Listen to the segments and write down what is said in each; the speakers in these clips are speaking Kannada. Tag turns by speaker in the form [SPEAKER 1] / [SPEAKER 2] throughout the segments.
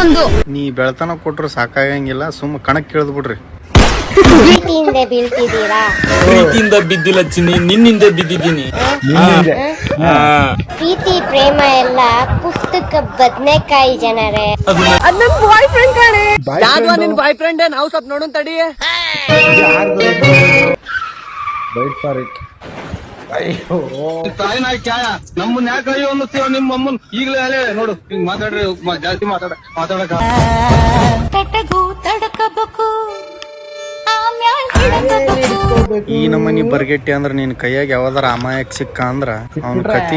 [SPEAKER 1] ಇನ್ನೊಂದು
[SPEAKER 2] ನೀ ಬೆಳತನ ಕೊಟ್ರು ಸಾಕಾಗಂಗಿಲ್ಲ, ಸುಮ್ಮ ಕಣಕ್ ಕೇಳ್ದ್ ಬಿಡ್ರಿ.
[SPEAKER 3] ಪ್ರೀತಿಯಿಂದ ಬೀಳ್ತಿದ್ದೀರಾ?
[SPEAKER 4] ಪ್ರೀತಿಯಿಂದ ಬಿದ್ದಿಲ್ಲ ಚಿನ್ನಿ, ನಿನ್ನಿಂದ ಬಿದ್ದಿದ್ದೀನಿ.
[SPEAKER 3] ಪ್ರೀತಿ ಪ್ರೇಮ ಎಲ್ಲ ಪುಸ್ತಕ ಬದ್ನೆಕಾಯಿ ಜನರೇ.
[SPEAKER 1] ಬಾಯ್ ಫ್ರೆಂಡ್ ಕಾಣೆ.
[SPEAKER 5] ಯಾವ್ದು ನಿನ್ ಬಾಯ್ ಫ್ರೆಂಡ್? ನಾವು ಸ್ವಲ್ಪ ನೋಡೋಣ ತಡಿ.
[SPEAKER 6] ಅಯ್ಯೋ ತಾಯಿನ ಕ್ಯಾಯ ನಮ್ಮನ್ನ ಯಾಕೆ ಅಯ್ಯೋ ಅನ್ನಿಸ್ತೀವ? ನಿಮ್ಮ ಅಮ್ಮನ್ ಈಗಲೇ ಹೇಳಿ ನೋಡು, ಹಿಂಗ್ ಮಾತಾಡ್ರಿ, ಜಾಸ್ತಿ ಮಾತಾಡಕ
[SPEAKER 2] ಈ ನಮ್ಮನಿ ಬರ್ಗೆಟ್ಟಿ ಅಂದ್ರ ನಿನ್ ಕೈಯಾಗ ಯಾವ್ದಾರ ಅಮಾಯಕ್ ಸಿಕ್ಕ ಅಂದ್ರ ಅವನ್ ಕತಿ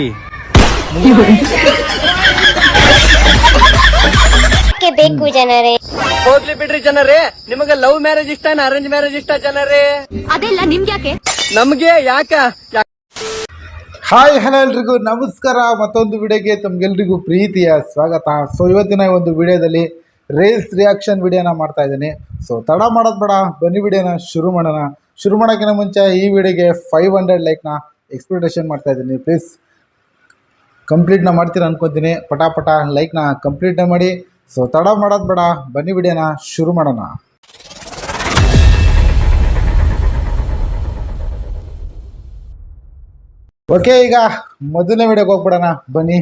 [SPEAKER 3] ಬೇಕು ಜನರೇ.
[SPEAKER 5] ಹೋಗ್ಲಿ ಬಿಡ್ರಿ ಜನರೇ, ನಿಮಗೆ ಲವ್ ಮ್ಯಾರೇಜ್ ಇಷ್ಟ ಅರೇಂಜ್ ಮ್ಯಾರೇಜ್ ಇಷ್ಟ ಜನರೇ?
[SPEAKER 1] ಅದೆಲ್ಲ ನಿಮ್ಗ್ಯಾಕೆ?
[SPEAKER 5] ನಮ್ಗೆ ಯಾಕ?
[SPEAKER 7] ಹಾಯ್ ಹಲೋ ಎಲ್ರಿಗೂ ನಮಸ್ಕಾರ. ಮತ್ತೊಂದು ವಿಡಿಯೋಗೆ ತಮ್ಗೆಲ್ರಿಗೂ ಪ್ರೀತಿಯ ಸ್ವಾಗತ. ಸೊ ಇವತ್ತಿನ ಒಂದು ವಿಡಿಯೋದಲ್ಲಿ ರೇಸ್ ರಿಯಾಕ್ಷನ್ ವಿಡಿಯೋನ ಮಾಡ್ತಾ ಇದ್ದೀನಿ. ಸೊ ತಡ ಮಾಡೋದು ಬೇಡ, ಬನ್ನಿ ವಿಡಿಯೋನ ಶುರು ಮಾಡೋಣ. ಶುರು ಮಾಡೋಕ್ಕಿಂತ ಮುಂಚೆ ಈ ವಿಡಿಯೋಗೆ 500 ಲೈಕ್ನ ಎಕ್ಸ್ಪೆಕ್ಟೇಷನ್ ಮಾಡ್ತಾ ಇದ್ದೀನಿ. ಪ್ಲೀಸ್ ಕಂಪ್ಲೀಟ್ನ ಮಾಡ್ತೀರಾ ಅನ್ಕೊತೀನಿ. ಪಟಾಪಟ ಲೈಕ್ನ ಕಂಪ್ಲೀಟ್ನ ಮಾಡಿ. ಸೊ ತಡ ಮಾಡೋದು ಬೇಡ, ಬನ್ನಿ ವಿಡಿಯೋನ ಶುರು ಮಾಡೋಣ. ಓಕೆ, ಈಗ ಮೊದಲನೇ ವಿಡಿಯೋಗೆ ಹೋಗ್ಬಿಡೋಣ ಬನ್ನಿ.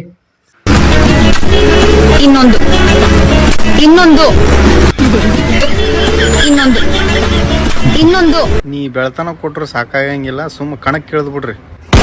[SPEAKER 1] ಇನ್ನೊಂದು ಇನ್ನೊಂದು ಇನ್ನೊಂದು ಇನ್ನೊಂದು
[SPEAKER 2] ನೀ ಬೆಳತನ ಕೊಟ್ರು ಸಾಕಾಗಂಗಿಲ್ಲ, ಸುಮ್ಮ ಕಣಕ್ ಕೇಳ್ದ್ ಬಿಡ್ರಿ.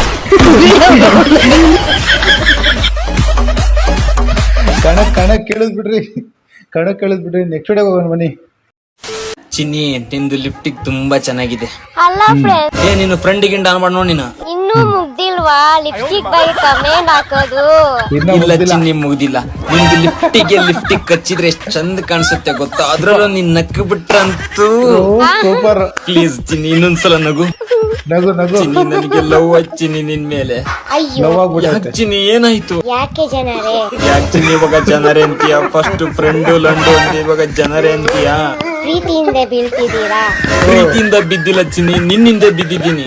[SPEAKER 7] ಕಣಕ್ ಕೇಳಿದ್ಬಿಡ್ರಿ, ನೆಕ್ಸ್ಟ್ ವಿಡಿಯೋಗೆ ಹೋಗೋಣ ಬನ್ನಿ.
[SPEAKER 4] ಚಿನ್ನಿ, ನಿಂದು ಲಿಫ್ಟಿಗ್ ತುಂಬಾ ಚೆನ್ನಾಗಿದೆ.
[SPEAKER 3] ಅಲ್ಲ ಫ್ರೆಂಡ್,
[SPEAKER 4] ನೀನು ಫ್ರೆಂಡಿಗೆ ಡಾನ್ ಮಾಡಿ ನೋಡಿ.
[SPEAKER 3] ಇನ್ನೂ ಮುಗ್ದಿಲ್ವಾ ಲಿಪ್ಸ್ಟಿಕ್ ಬಗ್ಗೆ ಕಮೆಂಟ್ ಹಾಕೋದು?
[SPEAKER 4] ಇಲ್ಲ ಚಿನ್ನಿ, ಮುಗ್ದಿಲ್ಲ. ನಿಂದು ಲಿಫ್ಟಿಗ್ ಕಚ್ಚಿದ್ರೆ ಎಷ್ಟ್ ಚಂದ ಕಾಣಿಸುತ್ತೆ ಗೊತ್ತಾ? ಅದ್ರಲ್ಲೂ ನೀನ್ ನಕ್ಕು ಬಿಟ್ರಂತೂ
[SPEAKER 7] ಸೂಪರ್.
[SPEAKER 4] ಪ್ಲೀಸ್ ಚಿನ್ನಿ, ಇನ್ನೊಂದ್ಸಲ ನಗು. ಚಿನ್ನಿ, ನನಗೆ ಲವ್ ಚಿನ್ನಿ ನಿನ್ ಮೇಲೆ.
[SPEAKER 3] ಅಯ್ಯೋ
[SPEAKER 4] ಯಾಕೆ ಚಿನ್ನಿ, ಏನಾಯ್ತು?
[SPEAKER 3] ಯಾಕೆ ಜನರೇ?
[SPEAKER 4] ಯಾಕೆ ಚಿನ್ನಿ ಇವಾಗ ಜನರೇ ಅಂತೀಯ? ಫಸ್ಟ್ ಫ್ರೆಂಡು ಲಂಡು ಅಂತ ಇವಾಗ ಜನರೇ ಅಂತೀಯ?
[SPEAKER 3] ಪ್ರೀತಿಯಿಂದ ಬೀಳ್ತಿದ್ದೀರಾ?
[SPEAKER 4] ಪ್ರೀತಿಯಿಂದ ಬಿದ್ದಿಲ್ಲ ಚಿನ್ನಿ, ನಿನ್ನಿಂದ ಬಿದ್ದಿದ್ದೀನಿ.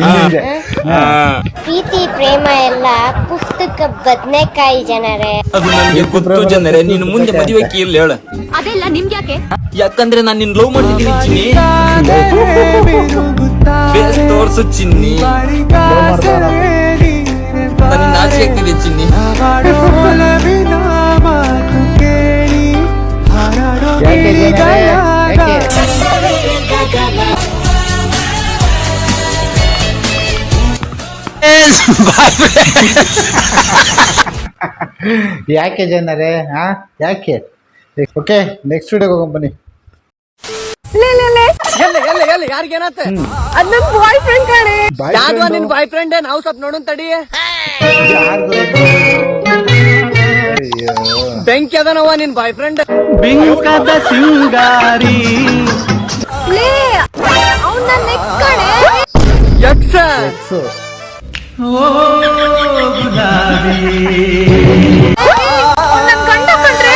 [SPEAKER 3] ಪ್ರೀತಿ ಪ್ರೇಮ ಎಲ್ಲ ಪುಸ್ತಕ ಬದ್ನೆಕಾಯಿ ಜನರೇ.
[SPEAKER 4] ಅದು ನನಗೆ ಗೊತ್ತು ಜನರೇ. ನೀನು ಮುಂದೆ ಮದುವೆ ಕೇಳ ಹೇಳ.
[SPEAKER 1] ಅದೆಲ್ಲ ನಿಮ್ಗ್ಯಾಕೆ?
[SPEAKER 4] ಯಾಕಂದ್ರೆ ನಾನು ನಿನ್ ಲವ್ ಮಾಡಿದ್ದೀನಿ ಚಿನ್ನಿ. ಫೇಸ್ ತೋರ್ಸು ಚಿನ್ನಿ, ನನಗೆ ನಾಚಿಕೆ ಆಗ್ತಿದೆ ಚಿನ್ನಿ.
[SPEAKER 7] ಯಾಕೆ ಜನರೇ? ಯಾಕೆ? ಓಕೆ, ನೆಕ್ಸ್ಟ್ ವಿಡಿಯೋಗೆ ಹೋಗೋಣ ಬನ್ನಿ.
[SPEAKER 5] ಯಾರಿಗೇನತ್ತ?
[SPEAKER 1] ಅದ್ ನನ್ ಬಾಯ್ ಫ್ರೆಂಡ್ ಕಾಣೆ.
[SPEAKER 5] ಯಾವ್ದು ನಿನ್ ಬಾಯ್ ಫ್ರೆಂಡ್? ನಾವು ಸ್ವಲ್ಪ ನೋಡೋಣ ತಡಿ. ಬೆಂಕಿ ಅದನವ ನಿನ್ ಬಾಯ್ ಫ್ರೆಂಡ್.
[SPEAKER 6] ಬಿಂಕದ ಸಿಂಗಾರಿ
[SPEAKER 1] ಅವ್ನ್ ನನ್ ನೆಕ್ಸ್ಟ್ ಕಾಣೆ.
[SPEAKER 5] ಯಕ್ಷ
[SPEAKER 1] ನನ್ ಗಂಡ ಕಂಡ್ರೆ.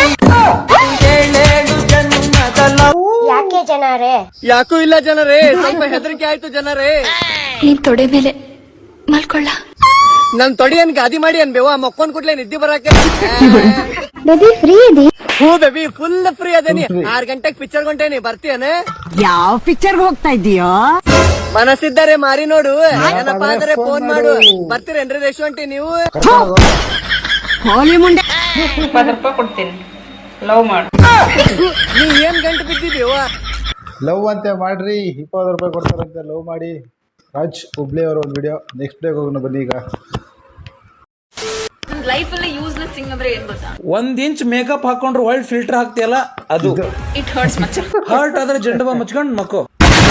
[SPEAKER 3] ಯಾಕೆ ಜನರೇ?
[SPEAKER 5] ಯಾಕೂ ಇಲ್ಲ ಜನರೇ, ಸ್ವಲ್ಪ ಹೆದರಿಕೆ ಆಯ್ತು ಜನರೇ.
[SPEAKER 1] ನೀನ್ ತೊಡೆ ಮೇಲೆ ಮಲ್ಕೊಳ್ಳ.
[SPEAKER 5] ನನ್ ತೊಡಿ ಏನ್ ಗಾದಿ ಮಾಡಿ ಅನ್ಬೇವ? ಮಕ್ಕೊಂದ್ ಕೂಡ್ಲೆ ನಿದ್ದೆ ಬರಾಕೆ. ಹೂ ಬೇಬಿ, ಫುಲ್ ಫ್ರೀ ಅದೇನಿ. 6 ಗಂಟೆಗೆ ಪಿಕ್ಚರ್ ಗೊಂಟೇನಿ, ಬರ್ತೀಯನ?
[SPEAKER 8] ಯಾವ ಪಿಕ್ಚರ್ ಹೋಗ್ತಾ ಇದೀಯೋ?
[SPEAKER 5] ಮನಸ್ಸಿದ್ದಾರೆ ಮಾರಿ ನೋಡು, ಏನಪ್ಪಾ ಅಂದ್ರೆ ಫೋನ್ ಮಾಡು. ಬರ್ತೀರೇನ್ರಿ ರೆಸ್ಟೋರೆಂಟ್ ನೀವು?
[SPEAKER 8] ಹೋಲಿ ಮುಂಡೆ.
[SPEAKER 9] 20 ರೂಪಾಯಿ ಕೊಡ್ತೀನಿ, ಲವ್ ಮಾಡು.
[SPEAKER 5] ನೀವ್ ಏನ್ ಗಂಟು ಬಿದ್ದಿದೀವ?
[SPEAKER 7] ಲವ್ ಅಂತ ಮಾಡ್ರಿ, 20 ರೂಪಾಯಿ ಕೊಡ್ತಾರಂತೆ, ಲವ್ ಮಾಡಿ. ರಾಜ್ ಹುಬ್ಳಿ ಅವರ ಒಂದು ವಿಡಿಯೋ. ನೆಕ್ಸ್ಟ್ ವಿಡಿಯೋಗೆ ಹೋಗೋಣ ಬನ್ನಿ. ಈಗ
[SPEAKER 9] ಲೈಫ್ ಅಲ್ಲಿ ಯೂಸ್ಲೆಸ್ ಥಿಂಗ್ ಅಂದ್ರೆ ಏನ್ ಗೊತ್ತಾ?
[SPEAKER 10] 1 ಇಂಚ್ ಮೇಕಪ್ ಹಾಕೊಂಡ್ರೆ ಒಳ್ಳೆ ಫಿಲ್ಟರ್ ಹಾಕ್ತಿಯಲ್ಲ ಅದು.
[SPEAKER 9] It hertz much.
[SPEAKER 10] ಹರ್ಟ್ ಆದ್ರೆ ಜಂಡ ಬಾಂಬ್ ಮುಚ್ಕೊಂಡ್ ಮಕ್ಕೋ.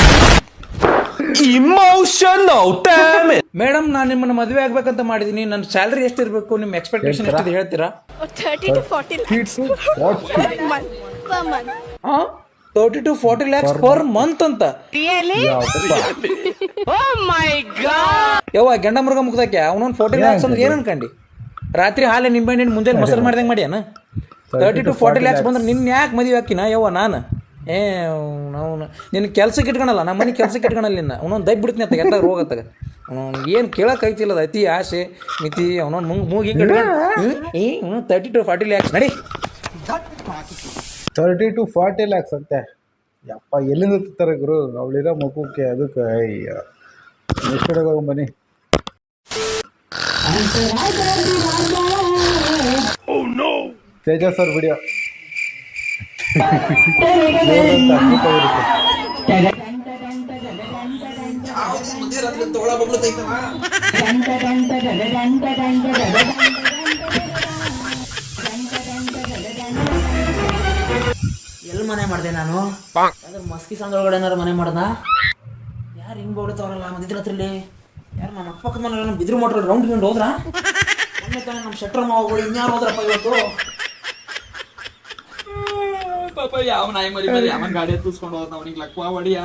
[SPEAKER 10] ಮೇಡಮ್, ನಾನು ನಿಮ್ಮನ್ನ ಮದುವೆ ಆಗ್ಬೇಕಂತ ಮಾಡಿದೀನಿ. ನನ್ನ ಸ್ಯಾಲರಿ ಎಷ್ಟಿರ್ಬೇಕು? ನಿಮ್ ಎಕ್ಸ್ಪೆಕ್ಟೇಷನ್ ಎಷ್ಟಿದೆ ಹೇಳ್ತೀರಾ?
[SPEAKER 1] 30 to 40 lakhs per month.
[SPEAKER 10] 30 to 40 lakhs per month ಅಂತ. ಯವ್ವ, ಗಂಡ ಮೃಗ ಮುಗ್ದಾಕ್ಯ ಅವನೊಂದು 40 lakhs ಅಂದ್ರೆ ಏನ್ ಅನ್ಕಂಡಿ? ರಾತ್ರಿ ಹಾಲೆ ನಿಂಬೆಹಣ್ಣಿನ ಮುಂಜಾನೆ ಮೊಸರು ಮಾಡ್ದಂಗೆ ಮಾಡ್ಯಾನ. 30 to 40 lakhs ಬಂದ್ರೆ ನಿನ್ನ ಯಾಕೆ ಮದುವೆ ಹಾಕಿನ ಯವ್ವ ನಾನು? ನಾವು ನಿನ್ನ ಕೆಲ್ಸಕ್ಕೆ ಇಟ್ಕೊಳಲ್ಲ, ನಮ್ಮ ಮನೆ ಕೆಲ್ಸಕ್ಕೆ ಇಟ್ಕೊಳಲ್ಲ. ನಿನ್ನ ಅವನೊಂದು ದಯ್ ಬಿಡ್ತೀನಿ ಅಂತ ಎಲ್ಲ ರೋಗತ್ತಾಗ. ಅವನು ಏನು ಕೇಳಕ್ಕೆ ಐತಿಲ್ಲ, ಅದು ಅತಿ ಆಸೆ ಮಿತಿ. ಅವನೊಂದು ಮೂಗಿ 30 to 40 lakhs ನಡಿ.
[SPEAKER 7] 30 to 40 lakhs ಅಂತೆ. ಯಪ್ಪ ಎಲ್ಲಿಂದ ತಿಂತಾರೆ ಗುರು ಅವಳಿರೋ ಮಗುಕ್ಕೆ ಅದಕ್ಕೆ. ಅಯ್ಯ ನೆಕ್ಸ್ಟ್ ವಿಡಿಯೋಗೆ ಹೋಗೋಣ ಬನ್ನಿ. ತೇಜಸ್ ಅವ್ರ ವಿಡಿಯೋ
[SPEAKER 10] ಎಲ್ಲಿ ಮನೆ ಮಾಡಿದೆ ನಾನು? ಅದ್ರ ಮಸ್ಕಿ ಸಂದ್ರೊಳಗಡೆ ಏನಾರು ಮನೆ ಮಾಡ್ದ? ಯಾರು ಹಿಂಗ್ ಬೋಡ್ತಾವ್ರಲ್ಲ ಮದಿದ್ರ ಹತ್ರಲ್ಲಿ? ಯಾರು ನಮ್ಮ ಅಕ್ಕಪಕ್ಕದ ಮನೆ ನಮ್ಮ ಬಿದ್ರು ಮೋಟ್ರಲ್ಲಿ ರೌಂಡ್ ಗಿಂಡ್ ಹೋದ್ರ? ಮೊನ್ನೆ ತಾನೆ ನಮ್ಮ ಶೆಟ್ರ ಮಾವುಗಳು ಇನ್ಯಾರು ಹೋದ್ರಪ್ಪ ಇವತ್ತು? ಪಾಪ ಯಾವ ನಾಯಿ ಮರಿ ಮೇಲೆ ಯಾವ ಗಾಡಿ ತೂಸ್ಕೊಂಡು ಹೋದ್ ಅವನಿಗೆ ಲಕ್ವಾ ಹೊಡಿಯಾ?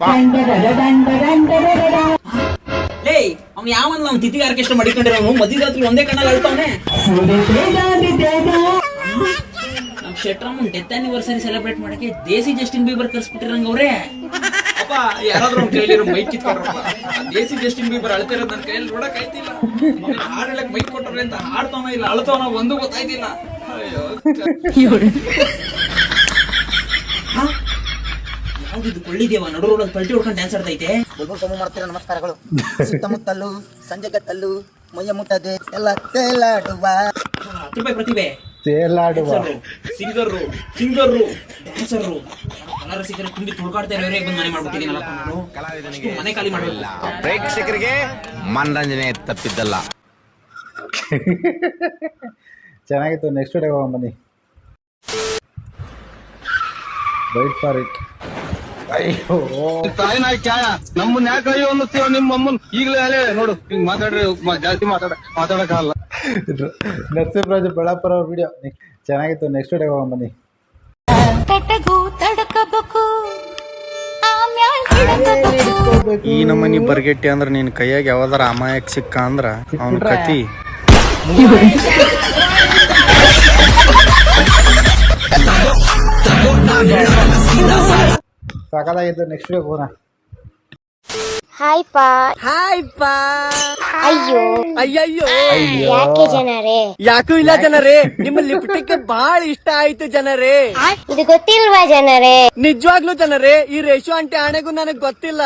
[SPEAKER 10] ಲೇ ಅವ್ನು ಯಾವನ್ ನಾವು ತಿಥಿ ಆರ್ಕೆಸ್ಟ್ರಾ ಮಾಡಿಕೊಂಡಿರೋನು ಮಧ್ಯರಾತ್ರಿ ಒಂದೇ ಕಣ್ಣಲ್ಲಿ ಅಳ್ತಾವನೆ. ನಮ್ ಶೆಟ್ರಮ್ಮನ್ ಡೆತ್ ಆನಿವರ್ಸರಿ ಸೆಲೆಬ್ರೇಟ್ ಮಾಡಕ್ಕೆ ದೇಸಿ ಜಸ್ಟಿನ್ ಬೀಬರ್ ಕರ್ಸ್ಬಿಟ್ಟಿರಂಗ ಅವ್ರೆ. ಅಪ್ಪ ಯಾರಾದ್ರೂ ಅವ್ನ ಕೈಲಿರೋ ಮೈಕ್ ಕಿತ್ಕೊಂಡ್ರಪ್ಪ. ದೇಸಿ ಜಸ್ಟಿನ್ ಬೀಬರ್ ಅಳ್ತಿರೋದು ನನ್ನ ಕೈಯಲ್ಲಿ ನೋಡಕ್ ಆಯ್ತಿಲ್ಲ. ಹಾಡ್ ಹೇಳಕ್ ಮೈಕ್ ಕೊಟ್ಟವ್ರೆ ಅಂತ ಹಾಡ್ತಾವನ ಇಲ್ಲ ಅಳ್ತಾವನ ಒಂದು ಗೊತ್ತಾಯ್ತಿಲ್ಲ. ಅಯ್ಯೋ ಯಾವ್ದಿದ್ದು ಕೊಳ್ಳಿದೇವ ನಡು ರೋಡಲ್ಲಿ ಪಲ್ಟಿ ಹೊಡ್ಕೊಂಡು ಡ್ಯಾನ್ಸ್ ಆಡ್ತೈತೆ.
[SPEAKER 5] ಸಮ ಮಾಡ್ತೀರ ನಮಸ್ಕಾರಗಳು. ಸುತ್ತಮುತ್ತಲು ಸಂಜೆಗತ್ತಲು ಮೈಯ ಮುಟ್ಟದೆ ಎಲ್ಲ ತೇಲಾಡುವ
[SPEAKER 10] 10 ರೂಪಾಯಿ ಪ್ರತಿಭೆ
[SPEAKER 7] ತೇಲಾಡುವ
[SPEAKER 10] ಸಿಂಗರ್ರು ಡ್ಯಾನ್ಸರ್ರು ಕಲರ್ ಸಿಕ್ಕರೆ ತುಂಬಿ ತುಳ್ಕಾಡ್ತಾ ಇರೋರೇ ಬಂದು ಮನೆ ಮಾಡ್ಬಿಟ್ಟಿದ್ದೀನಲ್ಲಪ್ಪ ನಾನು. ಮನೆ ಖಾಲಿ ಮಾಡಲ್ಲ.
[SPEAKER 4] ಪ್ರೇಕ್ಷಕರಿಗೆ ಮನರಂಜನೆ ತಪ್ಪಿದ್ದಲ್ಲ.
[SPEAKER 7] ಚೆನ್ನಾಗಿತ್ತು. ನೆಕ್ಸ್ಟ್ ವಿಡಿಯೋಗೆ ಹೋಗೋಣ ಬನ್ನಿ. Wait for it. ಅಯ್ಯೋ
[SPEAKER 6] ತಾಯಿನ ಚಾಯ ನಮ್ಮನ್ನ ಯಾಕೆ ಅಯ್ಯೋ ಅನ್ನಿಸ್ತೀವ ನಿಮ್ಮ ಅಮ್ಮನ್ ಈಗಲೇ ಅಲ್ಲೇ ನೋಡು ಹಿಂಗ್ ಮಾತಾಡ್ರಿ ಜಾಸ್ತಿ ಮಾತಾಡಕ್ಕಾಗಲ್ಲ.
[SPEAKER 7] ನರಸಿಂಹರಾಜು ಬೆಳಾಪುರ ಅವ್ರ ವಿಡಿಯೋ ಚೆನ್ನಾಗಿತ್ತು. ನೆಕ್ಸ್ಟ್ ವಿಡಿಯೋಗೆ ಹೋಗೋಣ ಬನ್ನಿ.
[SPEAKER 2] ಈ ನಮ್ಮನಿ ಬರ್ಗೆಟ್ಟಿ ಅಂದ್ರ ನಿನ್ ಕೈಯಾಗ ಯಾವ್ದಾರ ಅಮಾಯಕ್ ಸಿಕ್ಕ ಅಂದ್ರ ಅವನ ಕತಿ
[SPEAKER 7] ಸಾಕಾಗಿತ್ತು. ನೆಕ್ಸ್ಟ್ ವಿಡಿಯೋಗೆ ಹೋಗೋಣ.
[SPEAKER 3] ಹಾಯ್ ಪಾ.
[SPEAKER 5] ಹಾಯ್ ಪಾ.
[SPEAKER 3] ಅಯ್ಯೋ
[SPEAKER 5] ಅಯ್ಯಯ್ಯೋ
[SPEAKER 3] ಯಾಕೆ ಜನರೇ?
[SPEAKER 5] ಯಾಕೂ ಇಲ್ಲ ಜನರೇ, ನಿಮ್ಮ ಲಿಪ್ಟಿಕ್ ಬಹಳ ಇಷ್ಟ ಆಯ್ತು ಜನರೇ.
[SPEAKER 3] ಇದು ಗೊತ್ತಿಲ್ವಾ ಜನರೇ?
[SPEAKER 5] ನಿಜವಾಗ್ಲೂ ಜನರೇ, ಈ ರೇಷು ಆಂಟಿ ಆಣೆಗೂ ನನಗ್ ಗೊತ್ತಿಲ್ಲ.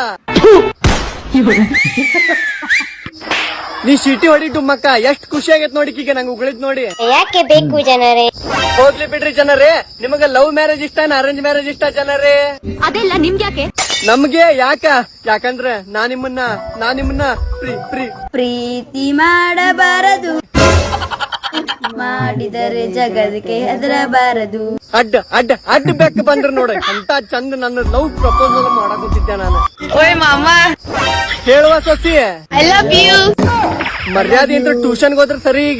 [SPEAKER 5] ನೀ ಶೀಟಿ ಹೊಡಿ ಡುಮ್ಮಕ್ಕ, ಎಷ್ಟ್ ಖುಷಿ ಆಗೈತ್ ನೋಡಿ ಈಗ ನಂಗೆ ಉಗಳಿದ್ ನೋಡಿ.
[SPEAKER 3] ಯಾಕೆ ಬೇಕು ಜನರೇ?
[SPEAKER 5] ಹೋಗ್ಲಿ ಬಿಡ್ರಿ ಜನರೇ, ನಿಮಗ ಲವ್ ಮ್ಯಾರೇಜ್ ಇಷ್ಟ ಅರೇಂಜ್ ಮ್ಯಾರೇಜ್ ಇಷ್ಟ ಜನರೇ?
[SPEAKER 9] ಅದೆಲ್ಲ ನಿಮ್ಗೆ ಯಾಕೆ?
[SPEAKER 5] ನಮ್ಗೆ ಯಾಕಂದ್ರೆ ನಾ ನಿಮ್ಮನ್ನ
[SPEAKER 1] ಪ್ರೀತಿ ಮಾಡಬಾರದು, ಮಾಡಿದರೆ ಜಗದಕ್ಕೆ ಹೆದರಬಾರದು.
[SPEAKER 5] ಅಡ್ಡ ಬೆಕ್ಕ ಬಂದ್ರ ನೋಡ ಅಂತ ಚಂದ ನನ್ನ ಲವ್ ಪ್ರಪೋಸಲ್ ಮಾಡಕುತ್ತಿದ್ದೆ ನಾನು.
[SPEAKER 1] ಓಯ್ ಮಾಮ,
[SPEAKER 5] ಹೇಳುವ ಸೊಸಿ
[SPEAKER 1] ಐ ಲವ್ ಯು.
[SPEAKER 5] ಮರ್ಯಾದೆ ಅಂತ ಟ್ಯೂಷನ್ಗೆ ಹೋದ್ರೆ ಸರಿ. ಈಗ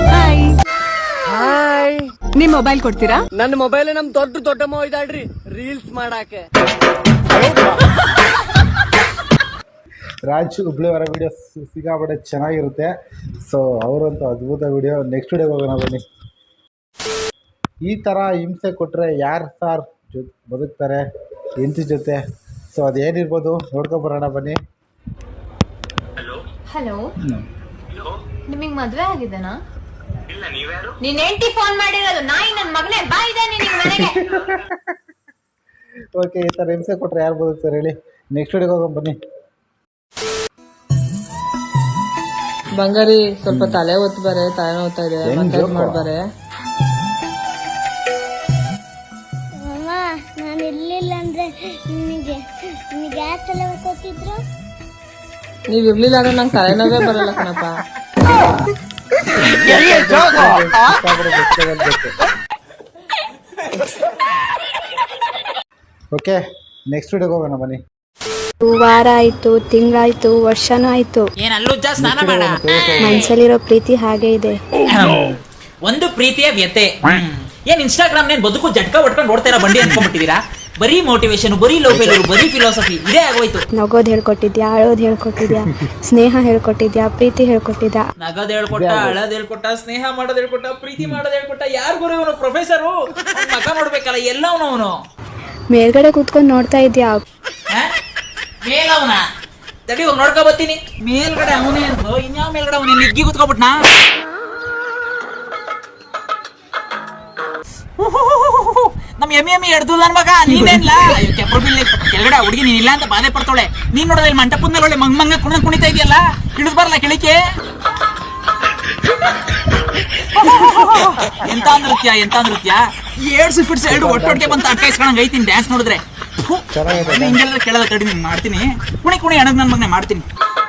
[SPEAKER 5] ಹಾಯ್,
[SPEAKER 1] ನಿಮ್ ಮೊಬೈಲ್ ಕೊಡ್ತೀರಾ?
[SPEAKER 5] ನನ್ನ ಮೊಬೈಲ್ ನಮ್ ದೊಡ್ಡಮ್ಮ ಇದಾಳ್ರಿ ರೀಲ್ಸ್ ಮಾಡಾಕೆ.
[SPEAKER 7] ರಾಜ್ ಹುಬ್ಳಿ ಅವರ ವಿಡಿಯೋ ಸಿಕ್ಕಾಪಟ್ಟೆ ಚೆನ್ನಾಗಿರುತ್ತೆ. ಸೊ ಅವರಂತೂ ಅದ್ಭುತ ವಿಡಿಯೋ. ನೆಕ್ಸ್ಟ್ ವಿಡಿಯೋಗೆ ಹೋಗೋಣ ಬನ್ನಿ. ಈ ಥರ ಹಿಂಸೆ ಕೊಟ್ಟರೆ ಯಾರು ಸಾರ್ ಬದುಕ್ತಾರೆ ಹೆಂಡತಿ ಜೊತೆ? ಸೊ ಅದೇನಿರ್ಬೋದು ನೋಡ್ಕೊಂಬರೋಣ ಬನ್ನಿ.
[SPEAKER 9] ಹಲೋ, ನಿಮಗ್ ಮದ್ವೆ ಆಗಿದೆನಾ? ನೀನ್ ಹೆಂಡತಿ ಫೋನ್ ಮಾಡಿರೋದು, ನಾಯಿ ನನ್ ಮಗನೇ ಬಾ ಇದ್ದಾನೆ ನಿನ್ ಮನೆಗೆ.
[SPEAKER 7] ಓಕೆ, ಈ ಥರ ಹಿಂಸೆ ಕೊಟ್ಟರೆ ಯಾರು ಬದುಕ್ತಾರೆ ಹೇಳಿ? ನೆಕ್ಸ್ಟ್ ವಿಡಿಯೋಗೆ ಹೋಗೋಣ ಬನ್ನಿ.
[SPEAKER 1] ಬಂಗಾರಿ ಸ್ವಲ್ಪ ತಲೆ ಹೊತ್ತು ಬಾರೆ, ತಲೆ ನೋಡ್ತಾ ಇದೆ, ಮಸಾಜ್ ಮಾಡ್ಬಾರೆ.
[SPEAKER 3] ನಾನು ಇರ್ಲಿಲ್ಲ ಅಂದ್ರೆ ನಿಮಗೆ ಯಾಕೆ ತಲೆ ಹೊತ್ತಿದ್ರು?
[SPEAKER 1] ನೀವ್ ಇರ್ಲಿಲ್ಲ ಅಂದ್ರೆ ನಂಗೆ ತಲೆನೋವೇ ಬರಲ್ಲ ಕಣಪ್ಪ.
[SPEAKER 7] ಓಕೆ, ನೆಕ್ಸ್ಟ್ ವಿಡಿಯೋಗೆ ಹೋಗೋಣ ಬನ್ನಿ.
[SPEAKER 1] ವಾರ ಆಯ್ತು, ತಿಂಗಳಾಯ್ತು, ವರ್ಷನೂ ಆಯ್ತು,
[SPEAKER 10] ಏನಲ್ಲೂ ಸ್ನಾನ ಮಾಡ.
[SPEAKER 1] ಮನ್ಸಲ್ಲಿರೋ ಪ್ರೀತಿ ಹಾಗೆ ಇದೆ.
[SPEAKER 10] ಒಂದು ಪ್ರೀತಿಯ ವ್ಯತೆ. ಏನ್ ಇನ್ಸ್ಟಾಗ್ರಾಮ್ ನೇನ್ ಬದುಕು ಜಟ್ಕ ಹೊಡ್ಕೊಂಡು ನೋಡ್ತಾ ಇರೋ ಬಂಡಿ ಅನ್ಕೊಂಡ್ಬಿಟ್ಟಿದೀರಾ? ಬರೀ ಮೋಟಿವೇಶನ್, ಬರೀ ಲವ್ ಫೇಲ್ಯೂರ್, ಬರೀ ಫಿಲಾಸಫಿ ಇದೇ ಆಗೋಯ್ತು.
[SPEAKER 1] ನಗೋದ್ ಹೇಳ್ಕೊಟ್ಟಿದ್ಯಾ, ಅಳೋದ್ ಹೇಳ್ಕೊಟ್ಟಿದ್ಯಾ, ಸ್ನೇಹ ಹೇಳ್ಕೊಟ್ಟಿದ್ಯಾ, ಪ್ರೀತಿ ಹೇಳ್ಕೊಟ್ಟಿದ್ಯಾ?
[SPEAKER 10] ನಗದ್ ಹೇಳ್ಕೊಟ್ಟ, ಅಳದ್ ಹೇಳ್ಕೊಟ್ಟ, ಸ್ನೇಹ ಮಾಡೋದ್ ಹೇಳ್ಕೊಟ್ಟ, ಪ್ರೀತಿ ಮಾಡೋದ್ ಹೇಳ್ಕೊಟ್ಟ. ಯಾರು ಗುರು ಇವನು? ಪ್ರೊಫೆಸರು ಮಕ ನೋಡ್ಬೇಕಲ್ಲ ಎಲ್ಲ ಅವನು.
[SPEAKER 1] ಮೇಲ್ಗಡೆ ಕೂತ್ಕೊಂಡ್ ನೋಡ್ತಾ ಇದ್ಯಾ?
[SPEAKER 10] ಮೇಲವನ ತಡಿ ಹೋಗಿ ನೋಡ್ಕೊ ಬರ್ತೀನಿ. ಮೇಲ್ಗಡೆ ಅವನೇ ಅಂತ ಇನ್ಯಾವ ಮೇಲ್ಗಡೆ ಅವನೇ ನಿಗ್ಗಿ ಕೂತ್ಕೊಬಿಟ್ನಾ? ನಮ್ ಎಮ್ಮಿ ಎಡ್ದು ನನ್ ಮಗ ನೀನೇನ್ಲ ಕೆಪ್ರಬಿಲ್ಲಿ ಕೆಳಗಡೆ ಹುಡುಗಿ ನೀನ್ ಇಲ್ಲ ಅಂತ ಬಾಧೆ ಪಡ್ತಾಳೆ. ನೀನ್ ನೋಡೋದ ಇಲ್ಲಿ ಮಂಟಪದ ಮೇಲೆ ಒಳ್ಳೆ ಮಂಗ ಕುಣಿತಾ ಇದೆಯಲ್ಲ, ಇಳಿದ್ ಬರಲ್ಲ ಕೆಳಿಕೆ. ಎಂತ ನೃತ್ಯ 7 ಫಿಟ್ಸ್ 2 ಒಟ್ಟೊಟ್ಟಿಗೆ ಬಂತ ಅಟ್ಕಾಯಿಸ್ಕೊಂಡಂಗೆ ಐತೀನಿ ಡ್ಯಾನ್ಸ್ ನೋಡಿದ್ರೆ. ಹಿಂಗೆಲ್ಲ ಕೇಳಲ್ಲ ತಡಿ, ನೀನ್ ಮಾಡ್ತೀನಿ. ಕುಣಿ ಅಣಗ್ ನನ್ ಮಗನೆ ಮಾಡ್ತೀನಿ.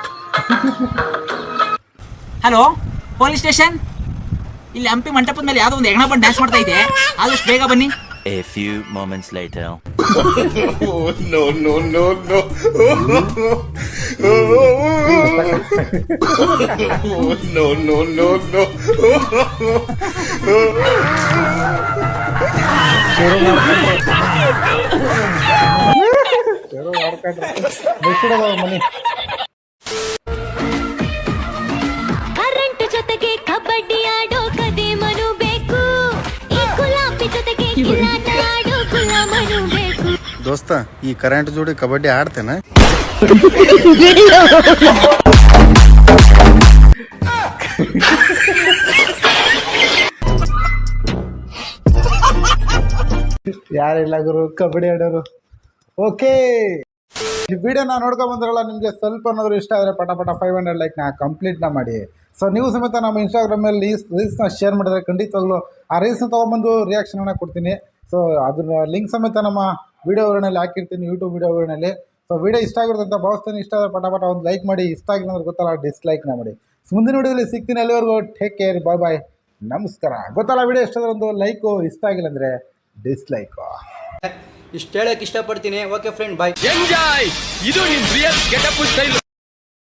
[SPEAKER 10] ಹಲೋ ಪೊಲೀಸ್ ಸ್ಟೇಷನ್, ಇಲ್ಲಿ ಹಂಪಿ ಮಂಟಪದ ಮೇಲೆ ಯಾವ್ದೋ ಒಂದು ಹೆಗ್ಣ ಬಂದು ಡ್ಯಾನ್ಸ್ ಮಾಡ್ತಾ ಇದೆ, ಆದಷ್ಟು ಬೇಗ ಬನ್ನಿ.
[SPEAKER 11] A few moments later.
[SPEAKER 2] No.
[SPEAKER 7] Money
[SPEAKER 3] current ಜೊತೆಗೆ ಕಬಡ್ಡಿ ಆಡೋ ಕದೇಮನು ಬೇಕು, ಈ ಗುಲಾಬಿ ಜೊತೆಗೆ ಕಿಲಾಟ ಆಡೋ ಗುಲಾಮನು ಬೇಕು.
[SPEAKER 2] ದೋಸ್ತ, ಈ ಕರೆಂಟ್ ಜೋಡಿ ಕಬಡ್ಡಿ ಆಡ್ತೇನೆ.
[SPEAKER 7] ಯಾರಿಲ್ಲ ಗುರು ಕಬಡ್ಡಿ ಆಡೋರು. ಓಕೆ, ಈ ವಿಡಿಯೋನ ನೋಡ್ಕೊಂಡ್ ಬಂದ್ರಲ್ಲ, ನಿಮಗೆ ಸ್ವಲ್ಪ ಏನಾದ್ರು ಇಷ್ಟ ಆದರೆ ಪಟ 500 ಲೈಕ್ನ ಕಂಪ್ಲೀಟ್ನ ಮಾಡಿ. ಸೊ ನೀವು ಸಮೇತ ನಮ್ಮ ಇನ್ಸ್ಟಾಗ್ರಾಮಲ್ಲಿ ರೀಲ್ಸ್ನ ಶೇರ್ ಮಾಡಿದ್ರೆ ಖಂಡಿತವಾಗ್ಲೂ ಆ ರೀಲ್ಸ್ನ ತೊಗೊಂಬಂದು ರಿಯಾಕ್ಷನ್ನ ಕೊಡ್ತೀನಿ. ಸೊ ಅದನ್ನ ಲಿಂಕ್ ಸಮೇತ ನಮ್ಮ ವೀಡಿಯೋ ವಿವರಣೆಯಲ್ಲಿ ಹಾಕಿರ್ತೀನಿ, ಯೂಟ್ಯೂಬ್ ವೀಡಿಯೋ ವಿವರಣೆಯಲ್ಲಿ. ಸೊ ವಿಡಿಯೋ ಇಷ್ಟ ಆಗಿರುತ್ತೆ ಅಂತ ಭಾವಿಸ್ತೀನಿ. ಇಷ್ಟ ಆದರೆ ಪಟ ಒಂದು ಲೈಕ್ ಮಾಡಿ, ಇಷ್ಟ ಆಗಿಲ್ಲ ಅಂದ್ರೆ ಗೊತ್ತಲ್ಲ ಡಿಸ್ಲೈಕ್ನ ಮಾಡಿ. ಮುಂದಿನ ವಿಡಿಯೋದಲ್ಲಿ ಸಿಗ್ತೀನಿ. ಅಲ್ಲಿವರೆಗೂ ಟೇಕ್ ಕೇರ್, ಬಾಯ್, ನಮಸ್ಕಾರ. ಗೊತ್ತಲ್ಲ ವಿಡಿಯೋ ಇಷ್ಟ ಆದರೆ ಒಂದು ಲೈಕು, ಇಷ್ಟ ಆಗಿಲ್ಲ ಅಂದರೆ ಡಿಸ್ಲೈಕು.
[SPEAKER 5] ಇಷ್ಟ ಹೇಳಕ್ ಇಷ್ಟಪಡ್ತೀನಿ. Okay friend, bye.
[SPEAKER 6] ಎಂಜಾಯ್. ಇದು ನಿಮ್ ರಿಯಲ್ ಗೆಟಪ್ ಸ್ಟೈಲ್.